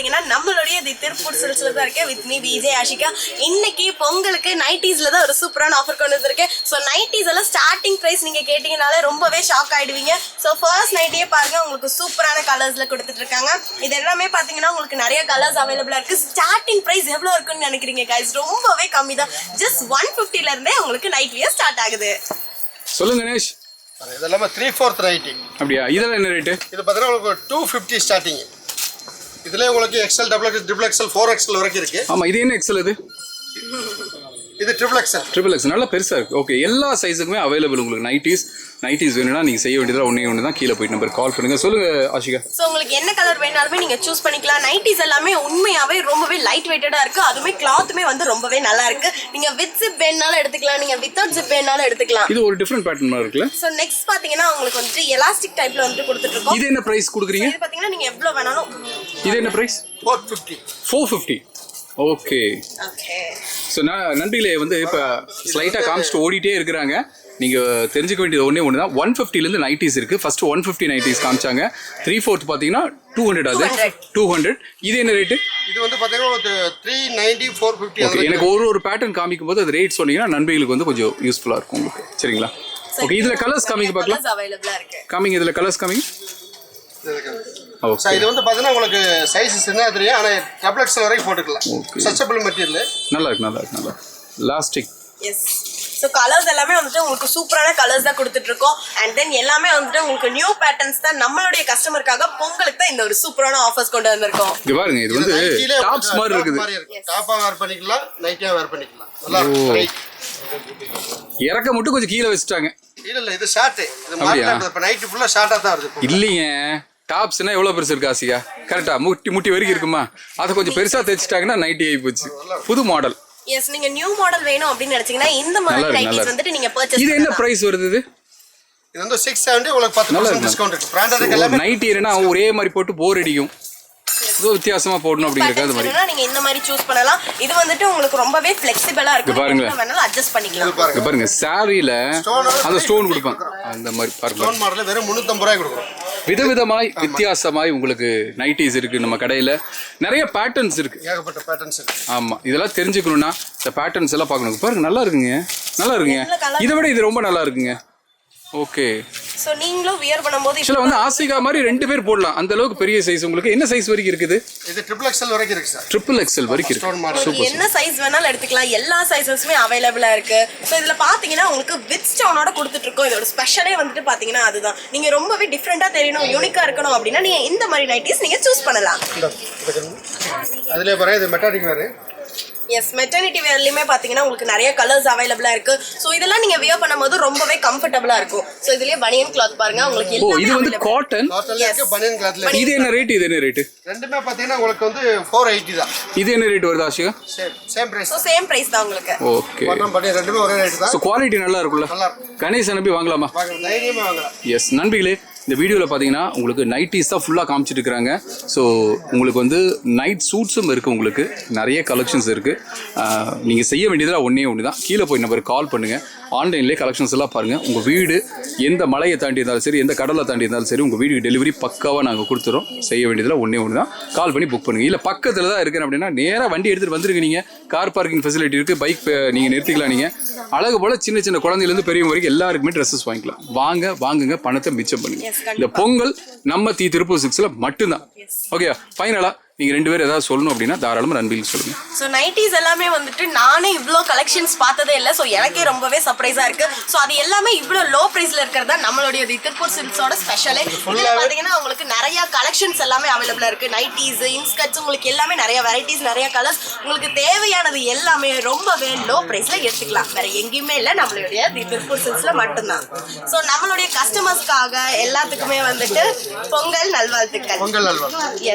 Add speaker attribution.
Speaker 1: பாத்தீங்கன்னா நம்மளுடைய தி திருப்பூர் சில்க்ஸ்ல தான் இருக்கேன் வித் மீ விஜய் ஆஷிகா. இன்னைக்கு பொங்கலுக்கு நைட்டிஸ்ல தான் ஒரு சூப்பரான ஆஃபர் கொண்டு வந்திருக்கேன். ஸோ நைட்டிஸ் எல்லாம் ஸ்டார்டிங் பிரைஸ் நீங்க கேட்டீங்கனாலே ரொம்பவே ஷாக் ஆயிடுவீங்க. ஸோ ஃபர்ஸ்ட் நைட்டியே பாருங்க, உங்களுக்கு சூப்பரான கலர்ஸ்ல கொடுத்துட்டு இருக்காங்க. இது எல்லாமே பாத்தீங்கன்னா உங்களுக்கு நிறைய கலர்ஸ் அவைலபிளா இருக்கு. ஸ்டார்டிங் பிரைஸ் எவ்வளவு இருக்குன்னு நினைக்கிறீங்க guys? ரொம்பவே கம்மி தான். ஜஸ்ட் 150ல இருந்தே உங்களுக்கு நைட் வியர் ஸ்டார்ட் ஆகுது.
Speaker 2: சொல்லுங்க கணேஷ்.
Speaker 3: இதெல்லாம் 3/4 நைட்டி.
Speaker 2: அப்படியா? இதெல்லாம் என்ன ரேட்டு?
Speaker 3: இது பார்த்தீங்கன்னா உங்களுக்கு 250 ஸ்டார்டிங். இதுல உங்களுக்கு XL, XXL, XXL, 4XL வரைக்கும் இருக்கு.
Speaker 2: ஆமா, இது என்ன எக்ஸல்?
Speaker 3: இது XXL.
Speaker 2: ட்ரிபிள் எக்ஸ் நல்லா பெருசா இருக்கு. ஓகே, எல்லா சைஸுக்குமே அவைலபிள் உங்களுக்கு. நைட்டிஸ் வேணும்னா நீங்க செய்ய வேண்டியதுல ஒண்ணு தான். கீழே போயிட்டு நம்பர் கால் பண்ணுங்க. சொல்லுங்க ஆஷிகா.
Speaker 1: ஸோ உங்களுக்கு என்ன கலர் வேணாலுமே நீங்க சூஸ் பண்ணிக்கலாம். நைட்டிஸ் எல்லாமே உண்மையாவே ரொம்பவே லைட் வெயிட்டடா இருக்கு. அதுவுமே கிளாத்துமே வந்து ரொம்பவே நல்லா இருக்கு. நீங்க வித் ஜிப் வேணாலும் எடுத்துக்கலாம், நீங்க வித்தவுட் ஜிப் வேணாலும் எடுத்துக்கலாம்.
Speaker 2: இது ஒரு டிஃபரெண்ட் பேட்டர்ன் மாதிரி இருக்குல்ல.
Speaker 1: ஸோ நெக்ஸ்ட் பாத்தீங்கன்னா உங்களுக்கு வந்து எலாஸ்டிக் டைப்ல வந்து கொடுத்துட்டு இருக்கோம்.
Speaker 2: இது என்ன பிரைஸ் கொடுக்குறீங்க?
Speaker 1: இது பாத்தீங்கன்னா நீங்க எவ்வளவு வேணாலும்.
Speaker 2: இது என்ன பிரைஸ்? 450. ஓகே. ஸோ நண்பிகளே வந்து இப்போ ஸ்லைட்டாக காமிச்சிட்டு ஓடிட்டே இருக்கிறாங்க. நீங்கள் தெரிஞ்சுக்க வேண்டியது ஒன்று தான். 150லேருந்து நைட்டிஸ் இருக்குது. ஃபஸ்ட்டு 150 நைட்டிஸ் காமிச்சாங்க. 3/4 பார்த்தீங்கன்னா 200. அது 200. இது என்ன ரேட்டு?
Speaker 3: இது வந்து பார்த்தீங்கன்னா 390, 450.
Speaker 2: ஓகே, எனக்கு ஒரு பேட்டர்ன் காமிக்கும் போது அது ரேட் சொன்னீங்கன்னா நண்பிகளுக்கு வந்து கொஞ்சம் யூஸ்ஃபுல்லாக இருக்கும் உங்களுக்கு. சரிங்களா? ஓகே, இதில் கலர்ஸ் காமிங்க பார்க்கலாம். காமிங்க, இதில் கலர்ஸ் காமிங்க.
Speaker 3: இது வந்து பார்த்தீங்கன்னா உங்களுக்கு சைஸ் சின்ன தெரியும், ஆனால் XXL வரைக்கும் போட்டுக்கலாம். Stretchable material.
Speaker 2: நல்லா இருக்கு. லாஸ்டிக்.
Speaker 1: எஸ். ஸோ கலர்ஸ் எல்லாமே வந்துட்டு உங்களுக்கு சூப்பரான கலர்ஸ் தான் கொடுத்துட்டு இருக்கோம். அண்ட் தென் எல்லாமே வந்துட்டு உங்களுக்கு நியூ பேட்டர்ன்ஸ் தான். நம்மளுடைய கஸ்டமருக்காக பொங்கலுக்கு தான் இந்த ஒரு சூப்பரான ஆஃபர்ஸ் கொண்டு வந்திருக்கோம்.
Speaker 2: இங்க பாருங்க, இது வந்து டாப்ஸ் மாதிரி இருக்குது.
Speaker 3: டாப்பா வேர் பண்ணிக்கலாம், நைட்டியா வேர் பண்ணிக்கலாம். நல்லா இருக்கு.
Speaker 2: இறக்க மட்டும் கொஞ்சம் கீழே வச்சுட்டாங்க.
Speaker 3: இல்ல இது ஷார்ட். இது மார்க்கெட்ல இப்ப நைட் ஃபுல்லா ஷார்ட்டா தான் இருக்கு.
Speaker 2: இல்லைங்க, டாப்ஸ்னா எவ்வளவு பெருசு இருக்கு ஆசியா? கரெக்டா முட்டி வரைக்கும் இருக்குமா? அதை கொஞ்சம் பெருசா தைச்சிட்டாங்கன்னா நைட்டி ஆகி போச்சு. புது மாடல்.
Speaker 1: எஸ், நீங்க நியூ மாடல் வேணும் அப்படின்னு நினைச்சீங்கன்னா இந்த மாதிரி நைட்டிஸ் வந்துட்டு நீங்க பர்ச்சேஸ்.
Speaker 2: இது என்ன பிரைஸ் வருது?
Speaker 3: இது வந்து 670. உங்களுக்கு 10% டிஸ்கவுண்ட் இருக்கு. பிராண்டட் எல்லாமே. நைட்டி
Speaker 2: என்னன்னா ஒரே மாதிரி போட்டு போர் அடிக்கும். இது வித்தியாசமா போடணும் அப்படிங்கறது மாதிரி.
Speaker 1: நீங்க இந்த மாதிரி சூஸ் பண்ணலாம். இது வந்துட்டு உங்களுக்கு ரொம்பவே ஃப்ளெக்சிபிளா இருக்கு. நீங்க வேணாலும் அட்ஜஸ்ட் பண்ணிக்கலாம்.
Speaker 2: இங்க பாருங்க, சாரில அந்த ஸ்டோன் கொடுப்பாங்க. அந்த மாதிரி பாருங்க.
Speaker 3: ஸ்டோன் மாடல்ல வெறும் 350 ரூபாய் கொடுக்குறோம்.
Speaker 2: விதவிதமாய் வித்தியாசமாய் உங்களுக்கு நைட்டிஸ் இருக்கு. நம்ம கடையில நிறைய பேட்டர்ன்ஸ் இருக்கு.
Speaker 3: ஏகப்பட்ட பேட்டர்ன்ஸ் இருக்கு.
Speaker 2: ஆமா, இதெல்லாம் தெரிஞ்சுக்கணும்னா இந்த பேட்டர்ன்ஸ் எல்லாம் பார்க்கணும். பாருங்க, நல்லா இருக்குங்க. இதை விட இது ரொம்ப நல்லா இருக்குங்க. ஓகே.
Speaker 1: சோ நீங்களும் வியர் பண்ணும்போது
Speaker 2: இதுல வந்து ஆசிகா மாதிரி 2 பேர் போடலாம். அந்த அளவுக்கு பெரிய சைஸ். உங்களுக்கு என்ன சைஸ் வரைக்கும் இருக்குது?
Speaker 3: இது XXL வரைக்கும் இருக்கு சார்.
Speaker 2: XXL வரைக்கும் இருக்கு.
Speaker 1: சூப்பர். என்ன சைஸ் வேணாலும் எடுத்துக்கலாம். எல்லா சைஸஸுமே அவைலபிளா இருக்கு. சோ இதுல பாத்தீங்கன்னா உங்களுக்கு வித் ஸ்டோனோட கொடுத்துட்டு இருக்கோம். இதோட ஸ்பெஷலே வந்துட்டு பாத்தீங்கன்னா அதுதான். நீங்க ரொம்பவே டிஃபரெண்டா தெரியணும், யூனிக்கா இருக்கணும் அப்படின்னா நீங்க இந்த மாதிரி நைட்டிஸ் நீங்க சூஸ் பண்ணலாம்.
Speaker 3: அதுலயே பாருங்க, இது மெட்டாலிக் வேர்.
Speaker 1: எஸ், மெட்டர்னிட்டி வேர்லயுமே பாத்தீங்கன்னா உங்களுக்கு நிறைய கலர்ஸ் அவைலபிளா இருக்கு. சோ இதெல்லாம் நீங்க வியர் பண்ணும்போது ரொம்பவே கம்ஃபர்ட்டபிளா இருக்கும். சோ இதுலயே பனியன் கிளாத் பாருங்க உங்களுக்கு எல்லாமே.
Speaker 2: இது வந்து காட்டன்ல
Speaker 3: இருக்கு, பனியன் கிளாத்ல.
Speaker 2: இது என்ன ரேட்? இது என்ன ரேட்?
Speaker 3: ரெண்டுமே பாத்தீங்கன்னா உங்களுக்கு வந்து 480 தான்.
Speaker 2: இது என்ன ரேட் வருது Ashika?
Speaker 3: Same price.
Speaker 1: So same price தான் உங்களுக்கு.
Speaker 2: ஓகே.
Speaker 3: பட்டன் பட்டி ரெண்டுமே ஒரே ரேட் தான்.
Speaker 2: சோ குவாலிட்டி நல்லா இருக்குல்ல?
Speaker 3: நல்லா இருக்கு.
Speaker 2: கணேஷ் நம்பி வாங்கலாமா?
Speaker 3: தைரியமா வாங்கலாம்.
Speaker 2: எஸ் நண்பிகளே, இந்த வீடியோவில் பார்த்தீங்கன்னா உங்களுக்கு நைட்டிஸ் தான் ஃபுல்லாக காமிச்சிட்டு இருக்கிறாங்க. ஸோ உங்களுக்கு வந்து நைட் சூட்ஸும் இருக்குது. உங்களுக்கு நிறைய கலெக்ஷன்ஸ் இருக்குது. நீங்கள் செய்ய வேண்டியதில் ஒன்று தான். கீழே போய் நம்பருக்கு கால் பண்ணுங்கள். ஆன்லைன்லேயே கலெக்ஷன்ஸ் எல்லாம் பாருங்கள். உங்கள் வீடு எந்த மலையை தாண்டி இருந்தாலும் சரி, எந்த கடலை தாண்டி இருந்தாலும் சரி, உங்கள் வீட்டுக்கு டெலிவரி பக்காவாக நாங்கள் கொடுத்துறோம். செய்ய வேண்டியதில் ஒன்று தான். கால் பண்ணி புக் பண்ணுங்கள். இல்லை பக்கத்தில் தான் இருக்கிறேன் அப்படின்னா நேராக வண்டி எடுத்துகிட்டு வந்துருங்க. நீங்கள் கார் பார்க்கிங் ஃபெசிலிட்டி இருக்குது. பைக் நீங்கள் நிறுத்திக்கலாம். நீங்கள் அழகு போல் சின்ன குழந்தையிலேருந்து பெரியவங்க வரைக்கும் எல்லாருக்குமே ட்ரெஸ்ஸஸ் வாங்கிக்கலாம். வாங்குங்க, பணத்தை மிச்சம் பண்ணுங்க. இந்த பொங்கல் நம்ம திருப்பூர் 6ல மட்டும்தான். ஓகே, ஃபைனலா நீங்க 2 பேர் ஏதாவது சொல்லணும் அப்படின்னா தாராளமா நண்பிகளுக்கு சொல்லுங்க.
Speaker 1: சோ நைட்டிஸ் எல்லாமே வந்துட்டு நானே இவ்ளோ கலெக்ஷன்ஸ் பார்த்ததே இல்ல. சோ எனக்கே ரொம்பவே சர்ப்ரைஸா இருக்கு. சோ அது எல்லாமே இவ்ளோ லோ பிரைஸ்ல இருக்கிறதா நம்மளுடைய திருப்பூர் சில்க்ஸோட ஸ்பெஷலே. இதுல பாத்தீங்கன்னா உங்களுக்கு நிறைய கலெக்ஷன்ஸ் எல்லாமே அவைலபிளா இருக்கு. நைட்டிஸ், இன்ஸ்கர்ட்ஸ், உங்களுக்கு எல்லாமே நிறைய வெரைட்டிஸ், நிறைய கலர்ஸ். உங்களுக்கு தேவையானது எல்லாமே ரொம்பவே லோ பிரைஸ்ல எடுத்துக்கலாம். வேற எங்கேயுமே இல்ல, நம்மளுடைய திருப்பூர் சில்க்ஸ்ல மட்டும்தான். சோ நம்மளுடைய கஸ்டமர்ஸ்க்காக எல்லாத்துக்குமே வந்துட்டு பொங்கல் நல்வாழ்த்துக்கள்.
Speaker 3: பொங்கல் நல்வாழ்த்துக்கள்.